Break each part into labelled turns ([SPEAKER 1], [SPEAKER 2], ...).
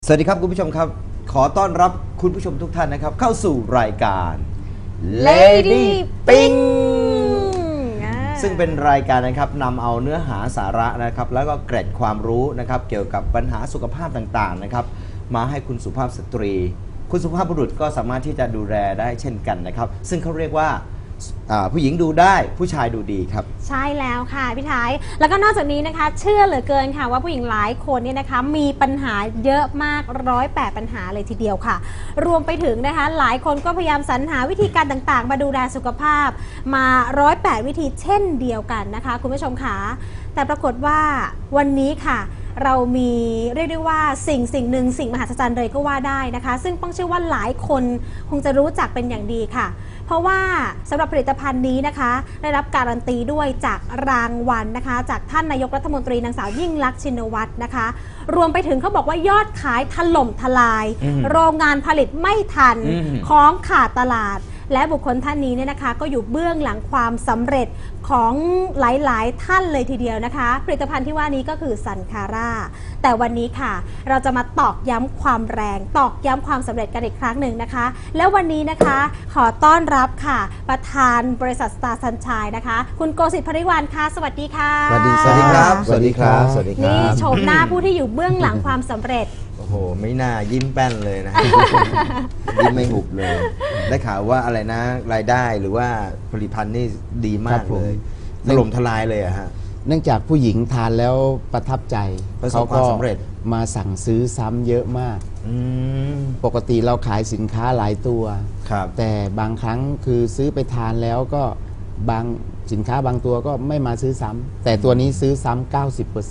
[SPEAKER 1] สวัสดีครับคุณผู้ชมครับขอต้อนรับคุณผู้ชมทุกท่านนะครับเข้าสู่รายการ Lady Ping ซึ่งเป็นรายการนะครับนำเอาเนื้อหาสาระนะครับแล้วก็เกร็ดความรู้นะครับเกี่ยวกับปัญหาสุขภาพต่างๆนะครับมาให้คุณสุภาพสตรีคุณสุภาพบุรุษก็สามารถที่จะดูแลได้เช่นกันนะครับซึ่งเขาเรียกว่าผู้หญิงดูได้ผู้ชายดูดีครับ
[SPEAKER 2] ใช่แล้วค่ะพี่ท้ายแล้วก็นอกจากนี้นะคะเชื่อเหลือเกินค่ะว่าผู้หญิงหลายคนเนี่ยนะคะมีปัญหาเยอะมาก108ปัญหาเลยทีเดียวค่ะรวมไปถึงนะคะหลายคนก็พยายามสรรหาวิธีการต่างๆมาดูแลสุขภาพมา108วิธีเช่นเดียวกันนะคะคุณผู้ชมค่ะแต่ปรากฏว่าวันนี้ค่ะเรามีเรียกได้ว่าสิ่งหนึ่งสิ่งมหัศจรรย์เลยก็ว่าได้นะคะซึ่งป้องเชื่อว่าหลายคนคงจะรู้จักเป็นอย่างดีค่ะเพราะว่าสำหรับผลิตภัณฑ์นี้นะคะได้รับการันตีด้วยจากรางวัลนะคะจากท่านนายกรัฐมนตรีนางสาวยิ่งลักษณ์ชินวัตรนะคะรวมไปถึงเขาบอกว่ายอดขายถล่มทลายโรงงานผลิตไม่ทันของขาดตลาดและบุคคลท่านนี้เนี่ยนะคะก็อยู่เบื้องหลังความสำเร็จของหลายๆท่านเลยทีเดียวนะคะผลิตภัณฑ์ที่ว่านี้ก็คือซันคาร่าแต่วันนี้ค่ะเราจะมาตอกย้ำความแรงตอกย้ำความสำเร็จกันอีกครั้งหนึ่งนะคะแล้ววันนี้นะคะขอต้อนรับค่ะประธานบริษัทสตาร์ซันชัยนะคะคุณโกสิทธิ์ ภริวรรณค่ะสวัสดีค่ะ
[SPEAKER 1] สวัสดีครับสวัสดีครับสวัสดีครับ
[SPEAKER 2] นี่โฉมหน้าผู้ที่อยู่เบื้องหลังความสำเร็จ
[SPEAKER 1] โอ้โหไม่น่ายิ้มแป้นเลยนะ ยิ้มไม่หุบเลยได้ข่าวว่าอะไรนะรายได้หรือว่าผลิตภัณฑ์นี่ดีมากเลยถล่มทลายเลยอะฮะ
[SPEAKER 3] เนื่องจากผู้หญิงทานแล้วประทับใจ
[SPEAKER 1] ประสบความสำเร็จ
[SPEAKER 3] มาสั่งซื้อซ้ำเยอะมากปกติเราขายสินค้าหลายตัวแต่บางครั้งคือซื้อไปทานแล้วก็บางสินค้าบางตัวก็ไม่มาซื้อซ้ำแต่ตัวนี้ซื้อซ้ำ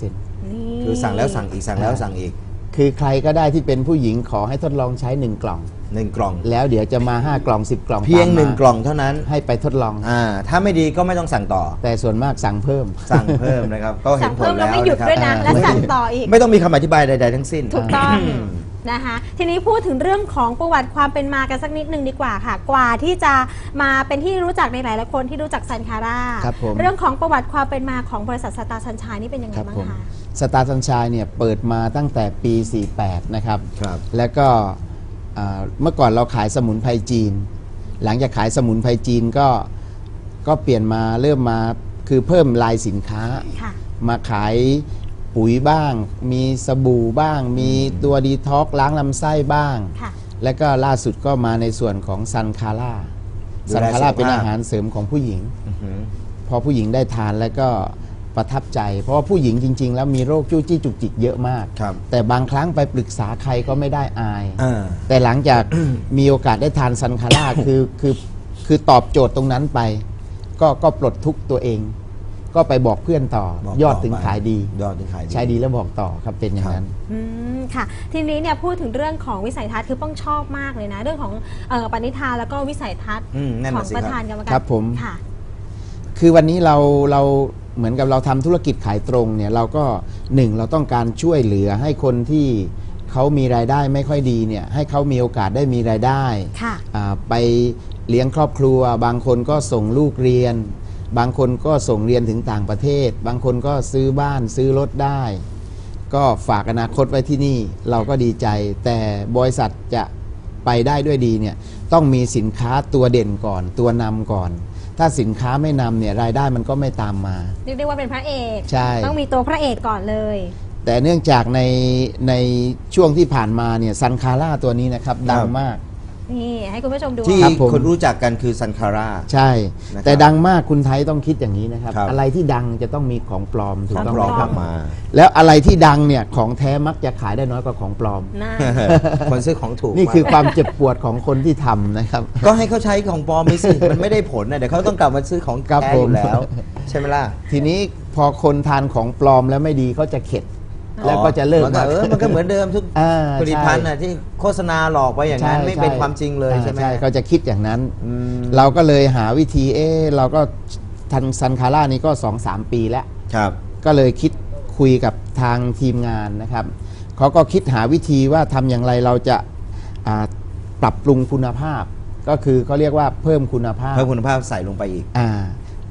[SPEAKER 3] 90%
[SPEAKER 1] คือสั่งแล้วสั่งอีกสั่งแล้วสั่งอีก
[SPEAKER 3] คือใครก็ได้ที่เป็นผู้หญิงขอให้ทดลองใช้1 กล่อง
[SPEAKER 1] 1 กล่อง
[SPEAKER 3] แล้วเดี๋ยวจะมา5 กล่อง10 กล่อง
[SPEAKER 1] เพียง1 กล่องเท่านั้น
[SPEAKER 3] ให้ไปทดลอง
[SPEAKER 1] ถ้าไม่ดีก็ไม่ต้องสั่งต่อ
[SPEAKER 3] แต่ส่วนมากสั่งเพิ่ม
[SPEAKER 1] นะครับก็เห็นผลแล้ว
[SPEAKER 2] ไม่หยุดด้วยนะและสั่งต่ออีก
[SPEAKER 1] ไม่ต้องมีคำอธิบายใดๆทั้งสิ้น
[SPEAKER 2] ถูกต้องนะคะทีนี้พูดถึงเรื่องของประวัติความเป็นมากันสักนิดนึงดีกว่าค่ะกว่าที่จะมาเป็นที่รู้จักในหลายๆคนที่รู้จักซันคาร่าเรื่องของประวัติความเป็นมาของบริษัทสตาร์ซันชัยนี่เป็นยังไงบ้างคะ
[SPEAKER 3] สตาร์ซันชัยเนี่ยเปิดมาตั้งแต่ปี48นะครับแล้วก็เมื่อก่อนเราขายสมุนไพรจีนหลังจากขายสมุนไพรจีนก็เปลี่ยนมาเริ่มมาคือเพิ่มลายสินค้ามาขายปุ๋ยบ้างมีสบู่บ้างมีตัวดีท็อกล้างลำไส้บ้างและก็ล่าสุดก็มาในส่วนของซันคาร่าเป็นอาหารเสริมของผู้หญิงพอผู้หญิงได้ทานแล้วก็ประทับใจเพราะว่าผู้หญิงจริงๆแล้วมีโรคจู้จี้จุกจิกเยอะมากแต่บางครั้งไปปรึกษาใครก็ไม่ได้อายแต่หลังจากมีโอกาสได้ทานซันคาร่าคือตอบโจทย์ตรงนั้นไปก็ปลดทุกข์ตัวเองก็ไปบอกเพื่อนต่อยอดถึงขายดีใช้ดีแล้วบอกต่อครับเป็นอย่างนั้น
[SPEAKER 2] ค่ะทีนี้เนี่ยพูดถึงเรื่องของวิสัยทัศน์คือป้องชอบมากเลยนะเรื่องของปณิธานแล้วก็วิสัยทัศน์ของประธานกรรมการ
[SPEAKER 3] ครับผมคือวันนี้เราเหมือนกับเราทำธุรกิจขายตรงเนี่ยเราก็เราต้องการช่วยเหลือให้คนที่เขามีรายได้ไม่ค่อยดีเนี่ยให้เขามีโอกาสได้มีรายได้ไปเลี้ยงครอบครัวบางคนก็ส่งลูกเรียนบางคนก็ส่งเรียนถึงต่างประเทศบางคนก็ซื้อบ้านซื้อรถได้ก็ฝากอนาคตไว้ที่นี่เราก็ดีใจแต่บริษัทจะไปได้ด้วยดีเนี่ยต้องมีสินค้าตัวเด่นก่อนตัวนำก่อนถ้าสินค้าไม่นำเนี่ยรายได้มันก็ไม่ตามมา
[SPEAKER 2] เรียกได้ว่าเป็นพระเอก
[SPEAKER 3] ใช่
[SPEAKER 2] ต้องมีตัวพระเอกก่อนเลย
[SPEAKER 3] แต่เนื่องจากในช่วงที่ผ่านมาเนี่ยซันคาร่าตัวนี้นะครับดังมาก
[SPEAKER 2] นี่ให้คุณผู้ชมดู
[SPEAKER 1] ที่คนรู้จักกันคือซันคาร่า
[SPEAKER 3] ใช่แต่ดังมากคุณไทยต้องคิดอย่างนี้นะครับอะไรที่ดังจะต้องมีของปลอมถูกต้อง
[SPEAKER 1] มา
[SPEAKER 3] แล้วอะไรที่ดังเนี่ยของแท้มักจะขายได้น้อยกว่าของปลอม
[SPEAKER 1] คนซื้อของถูก
[SPEAKER 3] นี่คือความเจ็บปวดของคนที่ทำนะครับ
[SPEAKER 1] ก็ให้เขาใช้ของปลอมไปสิมันไม่ได้ผลนะเดี๋ยวเขาต้องกลับมาซื้อของแท้อยู่แล้วใช่ไหมล่ะ
[SPEAKER 3] ทีนี้พอคนทานของปลอมแล้วไม่ดีเขาจะเข็ดแล้วก็จะเลิก
[SPEAKER 1] มันก็เหมือนเดิมทุกผลิตภัณฑ์ที่โฆษณาหลอกไปอย่างนั้นไม่เป็นความจริงเลยใช่ไหม
[SPEAKER 3] เขาจะคิดอย่างนั้นเราก็เลยหาวิธีเราก็ทันซันคาร่านี้ก็ 2-3 ปีแล้วก็เลยคิดคุยกับทางทีมงานนะครับเขาก็คิดหาวิธีว่าทำอย่างไรเราจะปรับปรุงคุณภาพก็คือเขาเรียกว่าเพิ่มคุณภาพ
[SPEAKER 1] ใส่ลงไปอีก
[SPEAKER 3] ก็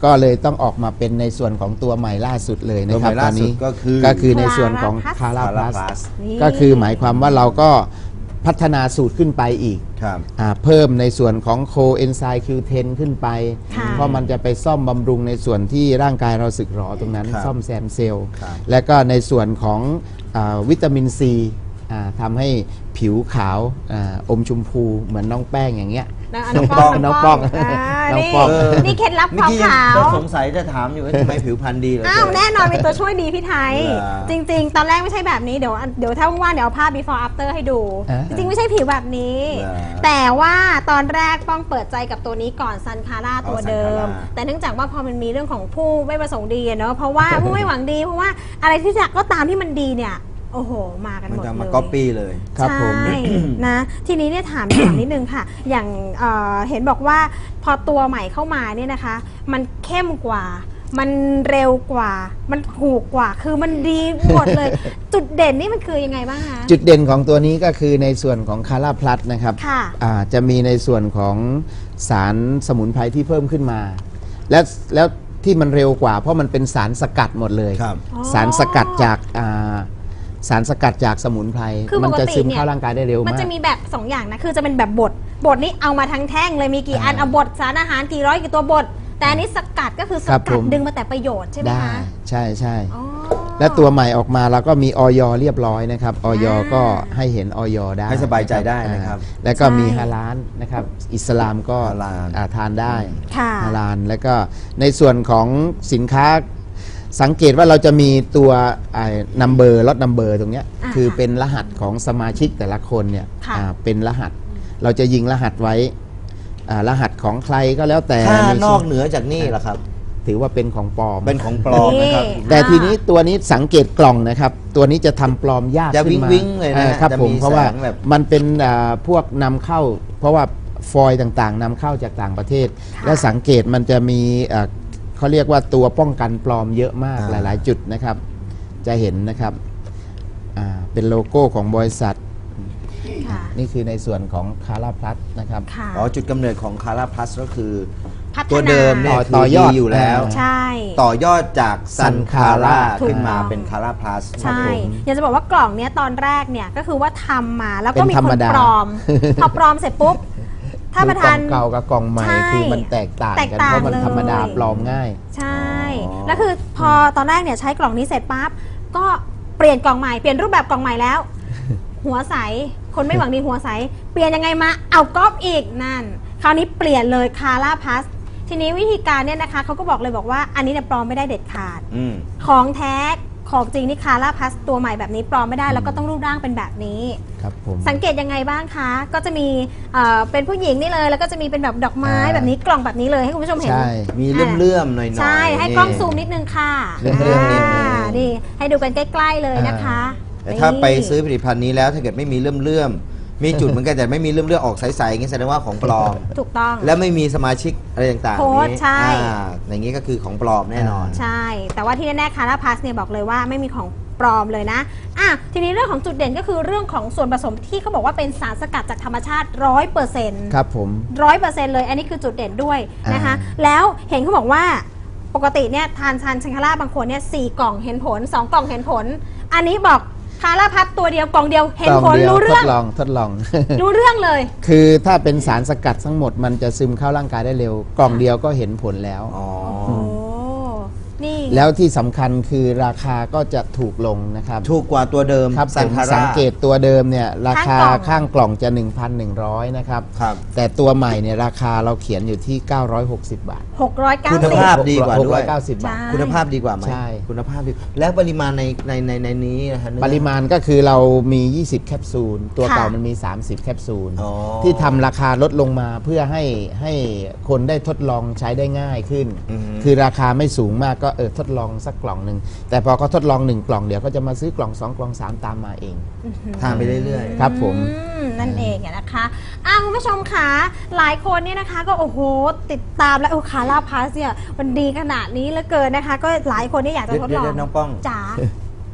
[SPEAKER 3] ก็เลยต้องออกมาเป็นในส่วนของตัวใหม่ล่าสุดเลยนะ
[SPEAKER 1] ตัวให
[SPEAKER 3] ครับ
[SPEAKER 1] ม่
[SPEAKER 3] ต
[SPEAKER 1] ล่า
[SPEAKER 3] อน
[SPEAKER 1] สุด
[SPEAKER 3] นี้
[SPEAKER 1] ก็คือ
[SPEAKER 3] ก็คือในส่วนของคารา
[SPEAKER 1] Clara
[SPEAKER 3] พลัส
[SPEAKER 1] Plus
[SPEAKER 2] นี่
[SPEAKER 3] ก็คือหมายความว่าเราก็พัฒนาสูตรขึ้นไปอีก
[SPEAKER 1] ครับ
[SPEAKER 3] เพิ่มในส่วนของโคเอนไซม์ Q10 ขึ้นไป
[SPEAKER 2] ค่ะ
[SPEAKER 3] เพราะมันจะไปซ่อมบำรุงในส่วนที่ร่างกายเราสึกหรอตรงนั้น
[SPEAKER 1] ครับ
[SPEAKER 3] ซ่อมแซมเซลล์
[SPEAKER 1] ครับ
[SPEAKER 3] และก็ในส่วนของวิตามินซีทำให้ผิวขาวอมชมพูเหมือนน้องแป้งอย่างเงี้ย
[SPEAKER 2] น้องป้อง
[SPEAKER 3] น้องป้อง น้องป้อง
[SPEAKER 2] นี่เคล็ดลับค
[SPEAKER 1] เมื่อ
[SPEAKER 2] วาม
[SPEAKER 1] กี้ยัง
[SPEAKER 2] ขาว
[SPEAKER 1] ก็สงสัยจะถามอยู่ว่าทำไมผิวพรรณดีเหรอ
[SPEAKER 2] อ้าวแน่นอนมีตัวช่วยดีพี่ไทย
[SPEAKER 1] เหรอ
[SPEAKER 2] จริง ๆ ตอนแรกไม่ใช่แบบนี้เดี๋ยวถ้าว่างๆเดี๋ยวเอาภาพ before after ให้ดู จริงๆไม่ใช่ผิวแบบนี้
[SPEAKER 1] เหรอ
[SPEAKER 2] แต่ว่าตอนแรกป้องเปิดใจกับตัวนี้ก่อนซันคาร่าตัวเดิม
[SPEAKER 1] Sun Cara
[SPEAKER 2] แต่เนื่องจากว่าพอมันมีเรื่องของผู้ไม่ประสงค์ดีอะเนาะเพราะว่าผู้ไม่หวังดีเพราะว่าอะไรที่จะก็ตามที่มันดีเนี่ยโอ้โหมากัน
[SPEAKER 1] มั
[SPEAKER 2] ห
[SPEAKER 1] น
[SPEAKER 2] มด
[SPEAKER 1] จะ
[SPEAKER 2] เล
[SPEAKER 1] มาย ก๊อปปี้เลย
[SPEAKER 3] ครับผม
[SPEAKER 2] ใช่ นะทีนี้เนี่ยถามนิดนึงค่ะ อย่างเห็นบอกว่าพอตัวใหม่เข้ามาเนี่ยนะคะ มันเข้มกว่า มันเร็วกว่า มันถูกกว่า คือมันดีหมดเลย จุดเด่นนี่มันคือยังไงบ้างคะ
[SPEAKER 3] จุดเด่นของตัวนี้ก็คือในส่วนของคาราพลัสนะครับ
[SPEAKER 2] ค่ะ
[SPEAKER 3] จะมีในส่วนของสารสมุนไพรที่เพิ่มขึ้นมา แล้วที่มันเร็วกว่า เพราะมันเป็นสารสกัดหมดเลย
[SPEAKER 1] ครับ
[SPEAKER 2] อ๋อ
[SPEAKER 3] สารสกัดจากสารสกัดจากสมุนไพร
[SPEAKER 2] คือ
[SPEAKER 3] มั
[SPEAKER 2] ปกติ
[SPEAKER 3] จะซึม
[SPEAKER 2] เนี่ย
[SPEAKER 3] เข้าร่างกายได้เร็ว
[SPEAKER 2] มัน
[SPEAKER 3] มาก
[SPEAKER 2] จะมีแบบ 2 อย่างนะ คือจะเป็นแบบบดนี่เอามาทั้งแท่งเลยมีกี่อัน
[SPEAKER 3] อ่า
[SPEAKER 2] เอาบดสารอาหารกี่ร้อยกี่ตัวบดแต่อันนี้สกัดก็คือส
[SPEAKER 3] ครับ
[SPEAKER 2] กั
[SPEAKER 3] ผ
[SPEAKER 2] ด
[SPEAKER 3] ม
[SPEAKER 2] ดึงมาแต่ประโยชน์ใช่ไหม
[SPEAKER 3] ได้
[SPEAKER 2] คะ
[SPEAKER 3] ใช่ใช่
[SPEAKER 2] อ๋อ
[SPEAKER 3] และตัวใหม่ออกมาเราก็มีออยเรียบร้อยนะครับออย
[SPEAKER 2] อ่า
[SPEAKER 3] ก็ให้เห็นออยได้
[SPEAKER 1] ให้สบายใจได้นะครับ
[SPEAKER 3] แล้วก็มี
[SPEAKER 2] ใช่
[SPEAKER 3] ฮาลาลนะครับอิสลามก็
[SPEAKER 1] ฮาลาล
[SPEAKER 3] ทานได้
[SPEAKER 2] ค่ะ
[SPEAKER 3] ฮาลาลแล้วก็ในส่วนของสินค้าสังเกตว่าเราจะมีตัวนัมเบอร์ลดนัมเบอร์ตรงเนี้ย
[SPEAKER 2] อ่า
[SPEAKER 3] คือเป็นรหัสของสมาชิกแต่ละคนเนี่ย
[SPEAKER 2] ค่ะ
[SPEAKER 3] เป็นรหัส เราจะยิงรหัสไว้รหัสของใครก็แล้วแต่
[SPEAKER 1] ถ้า
[SPEAKER 3] มี
[SPEAKER 1] นอกเหนือจากนี่ล่ะครับ
[SPEAKER 3] ถือว่าเป็นของปลอม
[SPEAKER 1] เป็นของปลอมนะครับ
[SPEAKER 2] นี่
[SPEAKER 3] แต่ทีนี้ตัวนี้สังเกตกล่องนะครับ ตัวนี้จะทำปลอมยาก
[SPEAKER 1] จะ
[SPEAKER 3] ขึ้นมา
[SPEAKER 1] วิ้งๆเลยนะ
[SPEAKER 3] ครับ
[SPEAKER 1] จะ
[SPEAKER 3] ผม
[SPEAKER 1] มี
[SPEAKER 3] เพราะว่า
[SPEAKER 1] แสงแบบ
[SPEAKER 3] มันเป็นพวกนำเข้า เพราะว่าฟอยล์ต่างๆนำเข้าจากต่างประเทศ
[SPEAKER 2] ค่ะ
[SPEAKER 3] และสังเกตมันจะมีเขาเรียกว่าตัวป้องกันปลอมเยอะมากหลายๆ จุดนะครับ จะเห็นนะครับเป็นโลโก้ของบริษัท
[SPEAKER 2] ค่ะ
[SPEAKER 3] นี่คือในส่วนของคาราพลัสนะครับ
[SPEAKER 2] ค่ะ
[SPEAKER 1] อ๋อจุดกำเนิดของคาราพลัสก็คือ
[SPEAKER 2] พัฒนา
[SPEAKER 1] ตัวเดิมเนี่ย
[SPEAKER 3] ต่อยอด
[SPEAKER 1] คือยู่แล้ว
[SPEAKER 2] ใช่
[SPEAKER 1] ต่อยอดจากซันคาร่า
[SPEAKER 2] ถูก
[SPEAKER 1] ขึ้นมา
[SPEAKER 2] ต้อง
[SPEAKER 1] เป็นคาร่าพลัส
[SPEAKER 2] ใช่ อยากจะบอกว่ากล่องเนี้ยตอนแรกเนี่ยก็คือว่าทำมาแล้วก็
[SPEAKER 3] เป็น
[SPEAKER 2] มี
[SPEAKER 3] ธร
[SPEAKER 2] ค
[SPEAKER 3] รม
[SPEAKER 2] น
[SPEAKER 3] ดา
[SPEAKER 2] ปลอม พอปลอมเสร็จปุ๊บ ถ้าประ
[SPEAKER 3] ก
[SPEAKER 2] ธา
[SPEAKER 3] ล่อน งเก่ากับกล่องใหม่
[SPEAKER 2] ใช่
[SPEAKER 3] คือมันแตกต่าง
[SPEAKER 2] แตก
[SPEAKER 3] กัน
[SPEAKER 2] ต่าง
[SPEAKER 3] เพราะมัน
[SPEAKER 2] เลย
[SPEAKER 3] ธรรมดาปลอมง่าย
[SPEAKER 2] ใช่
[SPEAKER 1] อ๋อ
[SPEAKER 2] แล้วคือพอตอนแรกเนี่ยใช้กล่องนี้เสร็จปั๊บก็เปลี่ยนกล่องใหม่เปลี่ยนรูปแบบกล่องใหม่แล้ว หัวใสคนไม่หวังดีหัวใสเปลี่ยนยังไงมาเอาก๊อปอีกนั่น คราวนี้เปลี่ยนเลยคาร่าพัสทีนี้วิธีการเนี่ยนะคะเขาก็บอกเลยบอกว่าอันนี้เนี่ยปลอมไม่ได้เด็ดขาด
[SPEAKER 1] อืม
[SPEAKER 2] ของแท้ของจริงนี่คาร่าพัสตัวใหม่แบบนี้ปลอมไม่ได้แล้วก็ต้องรูปร่างเป็นแบบนี้
[SPEAKER 3] ครับผม
[SPEAKER 2] สังเกตยังไงบ้างคะ ก็จะมีเป็นผู้หญิงนี่เลย แล้วก็จะมีเป็นแบบดอกไม้แบบนี้กล่องแบบนี้เลยให้คุณผู้ชมเห็น
[SPEAKER 3] ใช่
[SPEAKER 1] มีเลื่อมๆหน่อยๆ
[SPEAKER 2] ใช่ให้กล้องซูมนิดนึงค่ะ
[SPEAKER 1] เรื่องๆนิดนึง
[SPEAKER 2] นี่ให้ดูกันใกล้ๆเลยนะคะ
[SPEAKER 1] แต่ถ้าไปซื้อ
[SPEAKER 2] นี่
[SPEAKER 1] ผลิตภัณฑ์นี้แล้วถ้าเกิดไม่มีเลื่อมๆมีจุดเหมือนกันแต่ไม่มีเลื่อมๆออกใสๆอย่างนี้แสดงว่าของปลอม
[SPEAKER 2] ถูกต้อง
[SPEAKER 1] และไม่มีสมาชิกอะไรต่างๆ
[SPEAKER 2] โค้ด
[SPEAKER 1] นี้
[SPEAKER 2] ใช่
[SPEAKER 1] อย่างนี้ก็คือของปลอมแน่นอน
[SPEAKER 2] ใช่ แต่ว่าที่แน่ๆคาราพัสเนี่ยบอกเลยว่าไม่มีของปลอมเลยนะทีนี้เรื่องของจุดเด่นก็คือเรื่องของส่วนผสมที่เขาบอกว่าเป็นสารสกัดจากธรรมชาติ 100%
[SPEAKER 3] ครับผม
[SPEAKER 2] 100%เลย อันนี้คือจุดเด่นด้วยนะคะ แล้วเห็นเขาบอกว่าปกติเนี่ยทานชันคาร่าบางคนเนี่ย4 กล่องเห็นผล 2 กล่องเห็นผล อันนี้บอกคาร่าพัดตัวเดียวกล่องเดียวเห็นผล
[SPEAKER 3] กล่องเดียว
[SPEAKER 2] รู้เรื่อง
[SPEAKER 3] ทดลอง
[SPEAKER 2] รู้เรื่องเลย
[SPEAKER 3] คือถ้าเป็นสารสกัดทั้งหมดมันจะซึมเข้าร่างกายได้เร็ว กล่องเดียวก็เห็นผลแล้ว
[SPEAKER 1] อ๋อ
[SPEAKER 2] โอ้นี่
[SPEAKER 3] แล้วที่สำคัญคือราคาก็จะถูกลงนะครับ
[SPEAKER 1] ถูกกว่าตัวเดิม
[SPEAKER 3] ครับ
[SPEAKER 1] ซัน
[SPEAKER 3] ผม
[SPEAKER 1] คาร่า
[SPEAKER 3] สังเกตตัวเดิมเนี่ยราคา
[SPEAKER 2] ข้า
[SPEAKER 3] ข้าง ง
[SPEAKER 2] ก
[SPEAKER 3] ก
[SPEAKER 2] ล่
[SPEAKER 3] ล่
[SPEAKER 2] อ
[SPEAKER 3] อง งจะ 1,100 นะครับ
[SPEAKER 1] ครับ
[SPEAKER 3] แต่ตัวใหม่เนี่ยราคาเราเขียนอยู่ที่ 960 บาท
[SPEAKER 2] 690
[SPEAKER 1] คุณภาพ ดีกว่าด้วย
[SPEAKER 3] 690 บาท
[SPEAKER 2] ใช่
[SPEAKER 1] คุณภาพดีกว่าไหม
[SPEAKER 3] ใช่
[SPEAKER 1] คุณภาพดีแล้วปริมาณในนี้นะฮะเนื้อ
[SPEAKER 3] ปริมาณก็คือเรามี 20 แคปซูล ตัวเก่ามันมี 30 แคปซูล
[SPEAKER 1] อ๋อ
[SPEAKER 3] ที่ทำราคาลดลงมาเพื่อให้คนได้ทดลองใช้ได้ง่ายขึ้น
[SPEAKER 1] อือฮึ
[SPEAKER 3] คือราคาไม่สูงมากก็ทดลองสักกล่องหนึ่ง แต่พอเขาทดลอง 1 กล่องเดี๋ยวก็จะมาซื้อกล่อง 2 กล่อง 3 ตามมาเอง
[SPEAKER 1] ทานไปเรื่อย
[SPEAKER 3] ครับผม
[SPEAKER 2] นั่นเองอะนะคะคุณผู้ชมคะหลายคนเนี่ยนะคะก็โอ้โหติดตามแล้วคาร่าพัสเนี่ยมันดีขนาดนี้เหลือเกินนะคะ ก็หลายคนเนี่ยอยากจะทดลอง
[SPEAKER 1] เดี๋ยวน้องป้อง
[SPEAKER 2] จ๋า
[SPEAKER 1] ผ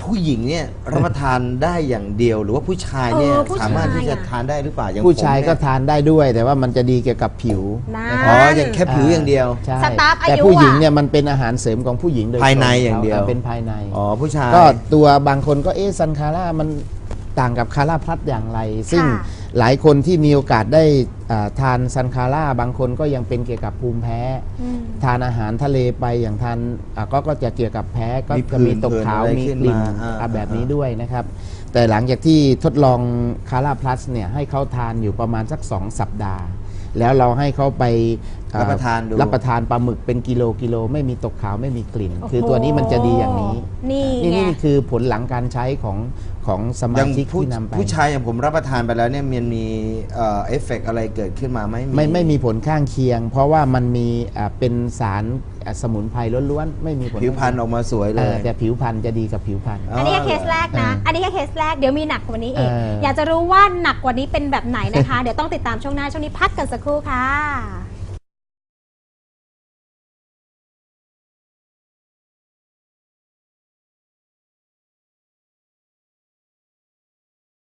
[SPEAKER 1] ผู้หญิงเนี่ยรับประทานได้อย่างเดียว หรือว่าผู้ชายเนี่ย
[SPEAKER 2] ผู้ชาย
[SPEAKER 1] สามารถที่จะทานได้หรือเปล่าอย่าง
[SPEAKER 3] ผู้ชาย
[SPEAKER 1] ผมเนี่
[SPEAKER 3] ก็ทานได้ด้วย แต่ว่ามันจะดีเกี่ยวกับผิว
[SPEAKER 2] นั่น
[SPEAKER 3] นะค
[SPEAKER 1] อ๋
[SPEAKER 3] รับ
[SPEAKER 1] ออย่างแค่ผิวอย่างเดียว
[SPEAKER 3] ใช่
[SPEAKER 2] สตาร์ฟอายุ
[SPEAKER 3] แต่ผู้หญิงเนี่ยมันเป็นอาหารเสริมของผู้หญิงโดยตรง
[SPEAKER 1] ภายในอย่างเดียว
[SPEAKER 3] เป็นภายใน
[SPEAKER 1] อ๋อผู้ชาย
[SPEAKER 3] ก็ตัวบางคนก็ซันคาร่ามันต่างกับคาร่าพลัสอย่างไร ซึ่งหลายคนที่มีโอกาสได้ทานซันคาร่าบางคนก็ยังเป็นเกี่ยวกับภูมิแพ้
[SPEAKER 2] อืม
[SPEAKER 3] ทานอาหารทะเลไปอย่างทานก็จะเกี่ยวกับแพ้ก็
[SPEAKER 1] มี
[SPEAKER 3] จะมีตกขาว
[SPEAKER 1] ผื่น
[SPEAKER 3] มี
[SPEAKER 1] อะไรขึ้น
[SPEAKER 3] กลิ่น
[SPEAKER 1] มา
[SPEAKER 3] แบบนี้ด้วยนะครับ แต่หลังจากที่ทดลองคาร่าพลัสเนี่ยให้เขาทานอยู่ประมาณสัก 2 สัปดาห์ แล้วเราให้เขาไป
[SPEAKER 1] รับประทานดู
[SPEAKER 3] รับประทานปลาหมึกเป็นกิโลไม่มีตกขาวไม่มีกลิ่น คือตัวนี้มันจะดีอย่างนี้
[SPEAKER 2] นี่ไง
[SPEAKER 3] นี่คือผลหลังการใช้ของส
[SPEAKER 1] อ
[SPEAKER 3] มา
[SPEAKER 1] ย่าง
[SPEAKER 3] ชิก
[SPEAKER 1] ผู้
[SPEAKER 3] ที่นำไป
[SPEAKER 1] ผู้ชายอย่างผมรับประทานไปแล้วเนี่ยมันมีเอฟเฟกต์อะไรเกิดขึ้นมาไหม
[SPEAKER 3] ไม่มีผลข้างเคียง เพราะว่ามันมีเป็นสารสมุนไพรล้วนๆไม่มีผล
[SPEAKER 1] ผิวพรรณออกมาสวยเลย
[SPEAKER 3] แต่ผิวพรรณจะดีกับผิวพรรณ
[SPEAKER 2] อันนี้แค่เคสแรกนะ อันนี้แค่เคสแรก เดี๋ยวมีหนักกว่านี้อีก อยากจะรู้ว่าหนักกว่านี้เป็นแบบไหนนะคะ เดี๋ยวต้องติดตามช่วงหน้า ช่วงนี้พักกันสักครู่ค่ะ